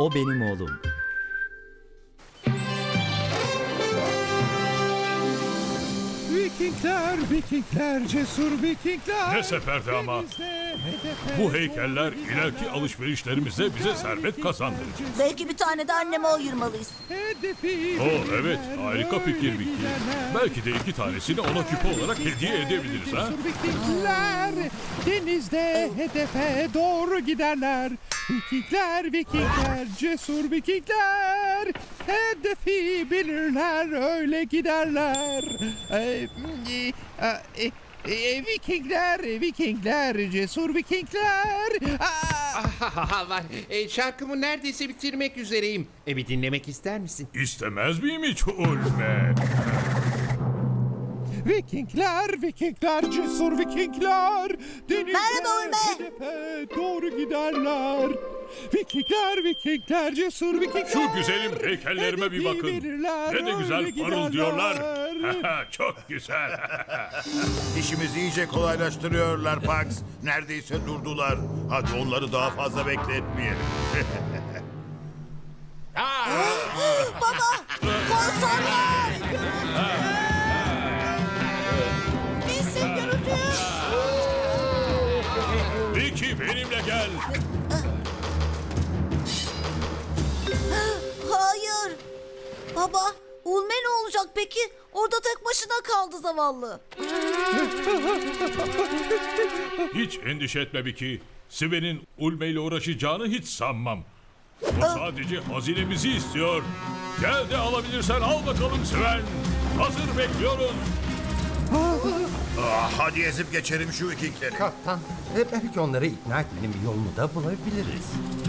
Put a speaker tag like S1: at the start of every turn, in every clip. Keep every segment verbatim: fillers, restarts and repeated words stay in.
S1: O benim oğlum.
S2: Vikingler, Vikingler, cesur Vikingler.
S3: Ne seferdi ama. Bu heykeller ileriki alışverişlerimizde bize servet kazandırır.
S4: Belki bir tane de anneme ayırmalıyız.
S3: Oo evet, harika fikir Vicky. Belki de iki tanesini ona küpe olarak hediye edebiliriz ha.
S2: Vikingler denizde hedefe doğru giderler. Vikingler, Vikingler, cesur Vikingler hedefi bilirler, öyle giderler. Ee, e, e, e, Vikingler, Vikingler, cesur Vikingler. Aa!
S5: Var. E, şarkımı neredeyse bitirmek üzereyim. E, bir dinlemek ister misin?
S3: İstemez miyim hiç Ulme?
S2: Vikingler, Vikingler, cesur Vikingler denizde
S4: Merhaba Ulme.
S2: hedefe doğru giderler. Vikingler, Vikingler, cesur Vikingler.
S3: Şu güzelim heykellerime bir bakın. Ne de güzel parıldıyorlar. Çok güzel.
S6: İşimizi iyice kolaylaştırıyorlar Pax. Neredeyse durdular. Hadi onları daha fazla bekletmeyelim.
S4: Baba, korsanlar! Bizi görüntü.
S3: Vicky benimle gel.
S4: Hayır. Baba, Ulme ne olacak peki? Orada tek başına kaldı zavallı.
S3: Hiç endişe etme Vicky. Sven'in Ulme ile uğraşacağını hiç sanmam. O sadece hazinemizi istiyor. Gel de alabilirsen al bakalım Sven. Hazır bekliyoruz.
S6: Ah, hadi ezip geçelim şu Vikingleri.
S7: Kaptan, e, belki onları ikna etmenin bir yolunu da bulabiliriz.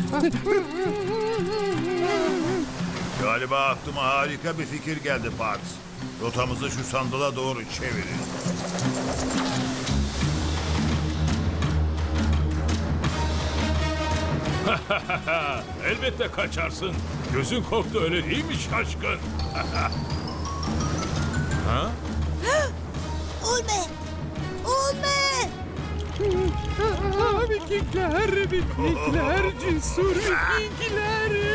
S6: Galiba aklıma harika bir fikir geldi Pax. Rotamızı şu sandala doğru çevirin.
S3: Elbette kaçarsın. Gözün korktu öyle değil mi şaşkın?
S4: Ulme! Ulme!
S2: Aa, Vikingler, Vikingler, cesur Vikingler.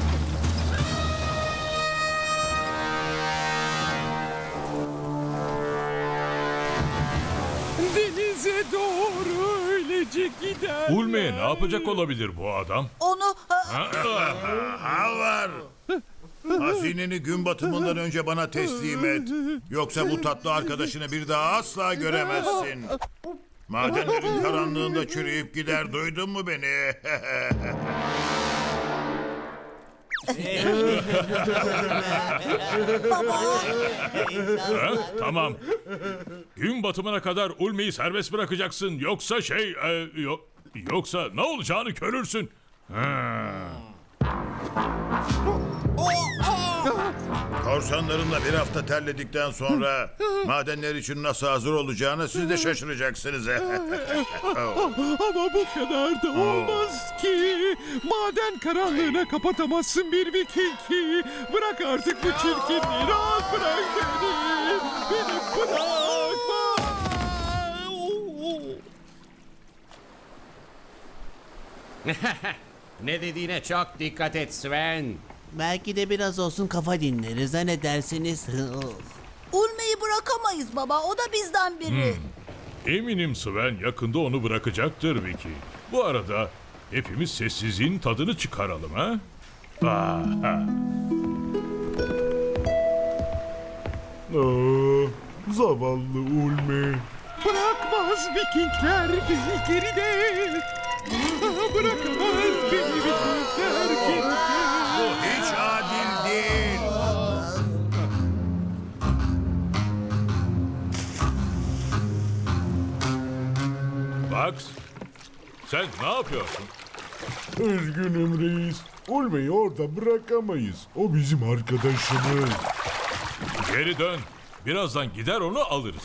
S2: Denize doğru öylece gider.
S3: Ulme'ye ne yapacak olabilir bu adam?
S4: Onu...
S6: Ha var. Hazineni gün batımından önce bana teslim et. Yoksa bu tatlı arkadaşını bir daha asla göremezsin. Madenlerin karanlığında çürüyüp gider, duydun mu beni?
S3: Ha, tamam. Gün batımına kadar Ulme'yi serbest bırakacaksın. Yoksa şey... e, yo- yoksa ne olacağını görürsün. Ha.
S6: Korsanlarımla bir hafta terledikten sonra madenler için nasıl hazır olacağını siz de şaşıracaksınız.
S2: Ama bu kadar da olmaz ki. Maden karanlığına kapatamazsın bir Viking. Bırak artık bu çirkinliği. Rahat bırak beni. Beni bırakma.
S5: Ne dediğine çok dikkat et Sven.
S8: Belki de biraz olsun kafa dinleriz, ha ne dersiniz?
S4: Ulme'yi bırakamayız baba. O da bizden biri.
S3: Eminim Sven yakında onu bırakacaktır Vicky. Bu arada hepimiz sessizliğin tadını çıkaralım ha? Ah, ha.
S9: Zavallı Ulme.
S2: Bırakmaz Vikingler bizi geride. Bırakamaz beni Vikingler geride.
S6: Bu hiç adil değil.
S3: Max, sen ne yapıyorsun?
S9: Üzgünüm reis. Ulme'yi orada bırakamayız. O bizim arkadaşımız.
S3: Geri dön. Birazdan gider onu alırız.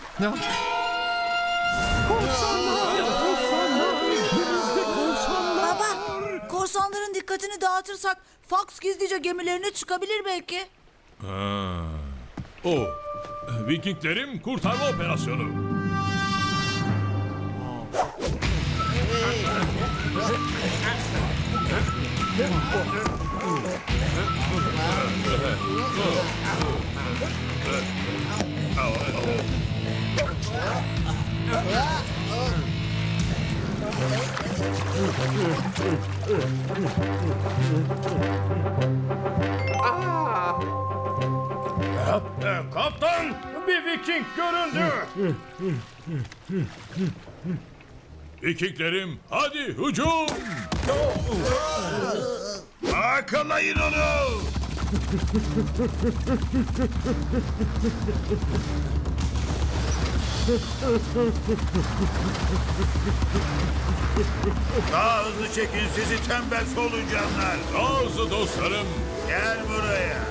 S4: Baba, korsanların dikkatini dağıtırsak Fox gizlice gemilerine çıkabilir belki.
S3: Ha. O, Vikinglerin kurtarma operasyonu. Kaptan, bir Viking göründü. Vikinglerim, hadi hücum!
S6: Yakalayın onu! Daha hızlı çekin sizi tembel solucanlar.
S3: Daha hızlı dostlarım.
S6: Gel buraya.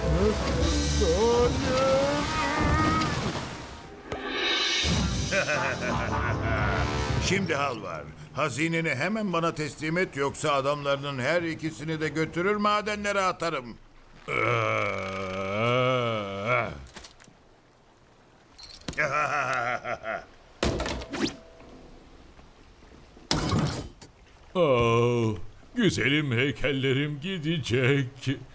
S6: Şimdi hal var. Hazineni hemen bana teslim et yoksa adamlarının her ikisini de götürür madenlere atarım.
S3: Ee, Oh, güzelim heykellerim gidecek.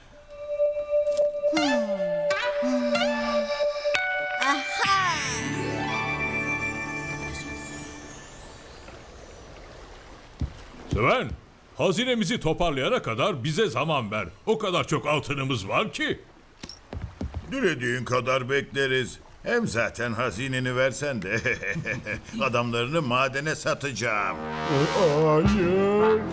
S3: Sven, hazinemizi toparlayana kadar bize zaman ver. O kadar çok altınımız var ki.
S6: Dilediğin kadar bekleriz. Hem zaten hazineni versen de adamlarını madene satacağım.
S9: Hayır.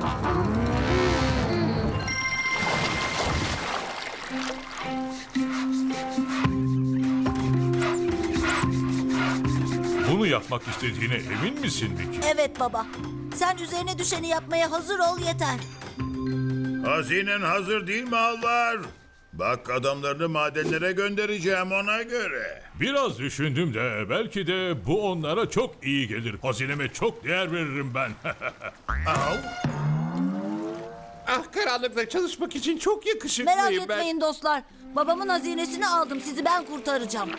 S3: Bunu yapmak istediğine emin misin Vicky?
S4: Evet baba. Sen üzerine düşeni yapmaya hazır ol yeter.
S6: Hazinen hazır değil mi Alvar? Bak adamlarını madenlere göndereceğim ona göre.
S3: Biraz düşündüm de belki de bu onlara çok iyi gelir. Hazineme çok değer veririm ben.
S6: Al.
S5: Ah, karanlıkta çalışmak için çok yakışıklıyım
S4: Merak
S5: ben.
S4: etmeyin dostlar. Babamın hazinesini aldım. Sizi ben kurtaracağım.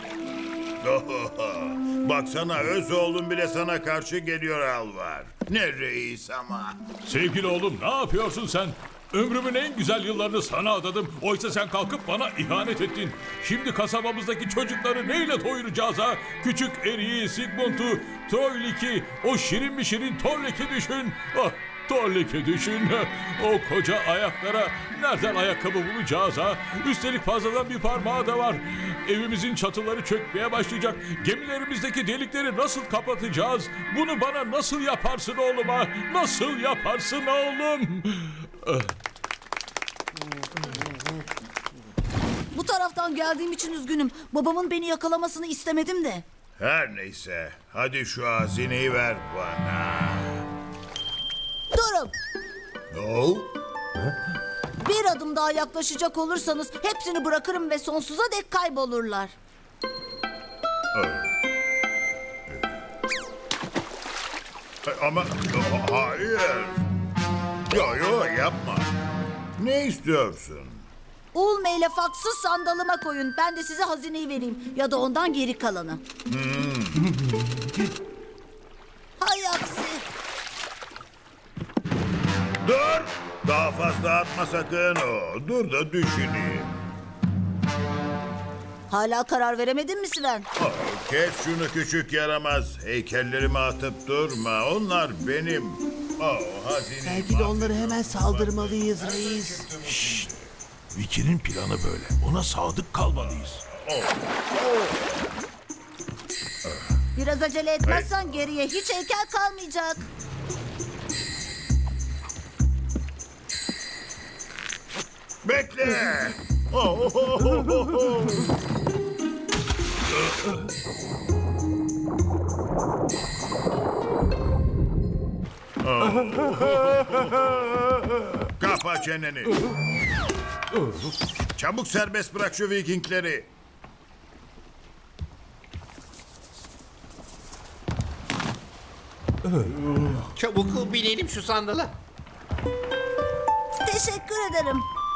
S6: Baksana öz oğlum bile sana karşı geliyor Alvar. Ne reis ama.
S3: Sevgili oğlum, ne yapıyorsun sen? Ömrümün en güzel yıllarını sana adadım. Oysa sen kalkıp bana ihanet ettin. Şimdi kasabamızdaki çocukları neyle doyuracağız ha? Küçük Eri'yi, Sigmund'u, Troilik'i, o şirin mi şirin Torlik'i düşün. Ah, Torlik'i düşün. O koca ayaklara nereden ayakkabı bulacağız ha? Üstelik fazladan bir parmağı da var. Evimizin çatıları çökmeye başlayacak. Gemilerimizdeki delikleri nasıl kapatacağız? Bunu bana nasıl yaparsın oğlum ha? Nasıl yaparsın oğlum?
S4: Bu taraftan geldiğim için üzgünüm. Babamın beni yakalamasını istemedim de.
S6: Her neyse hadi şu hazineyi ver bana.
S4: Durun.
S6: No.
S4: Bir adım daha yaklaşacak olursanız hepsini bırakırım ve sonsuza dek kaybolurlar.
S6: Ama hayır. Yo yo yapma. Ne istiyorsun?
S4: Ulme ile faksı sandalıma koyun. Ben de size hazineyi vereyim. Ya da ondan geri kalanı. Hay aksi.
S6: Dur. Daha fazla atma sakın o. Dur da düşüneyim.
S4: Hala karar veremedin mi Sven?
S6: Oh, kes şunu küçük yaramaz. Heykellerimi atıp durma. Onlar benim. Oh, hazineyi
S8: Belki de onları hemen saldırmalıyız reis.
S3: Vicky'nin planı böyle. Ona sadık kalmalıyız.
S4: Biraz acele etmezsen geriye hiç heykel kalmayacak.
S6: Bekle. Oh, oh, oh, oh, oh. Kapa çeneni. Çabuk serbest bırak şu Vikingleri.
S5: Çabuk binelim şu sandala.
S4: Teşekkür ederim.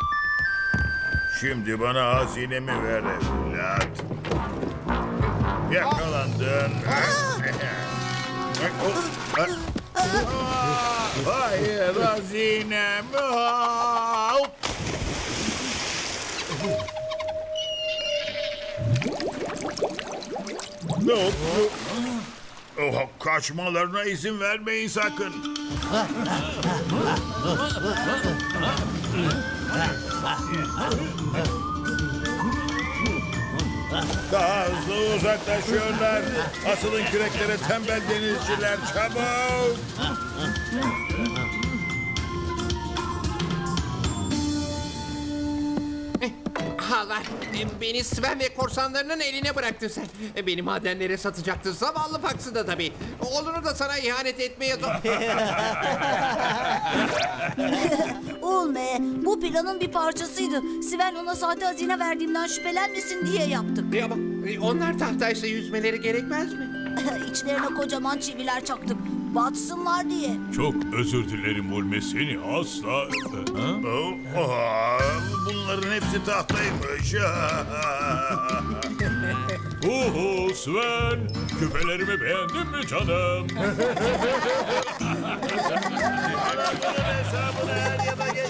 S6: Şimdi bana hazinemi ver evlat. Yakalandın. Hayır hazinem. Aa! Ne oldu? Oh, kaçmalarına izin vermeyin sakın. Daha hızlı uzaklaşıyorlar. Asılın küreklere tembel denizciler, çabuk.
S5: Halar, e, beni Sven ve korsanlarının eline bıraktın sen. E, Beni madenlere satacaktın. Zavallı Pax'ı da tabii. Oğlunu da sana ihanet etmeye...
S4: Ulme, bu planın bir parçasıydı. Sven ona sahte hazine verdiğimden şüphelenmesin diye yaptık.
S5: Ya ama e, onlar tahtaysa yüzmeleri gerekmez mi?
S4: İçlerine kocaman çiviler çaktık. Batsınlar diye.
S3: Çok özür dilerim Ulme, seni asla... Ha?
S6: Oh, oh, bunların hepsi tahtaymış.
S3: Uhu Sven, küpelerimi beğendin mi canım?
S6: Bana bunun hesabını er ya da geç.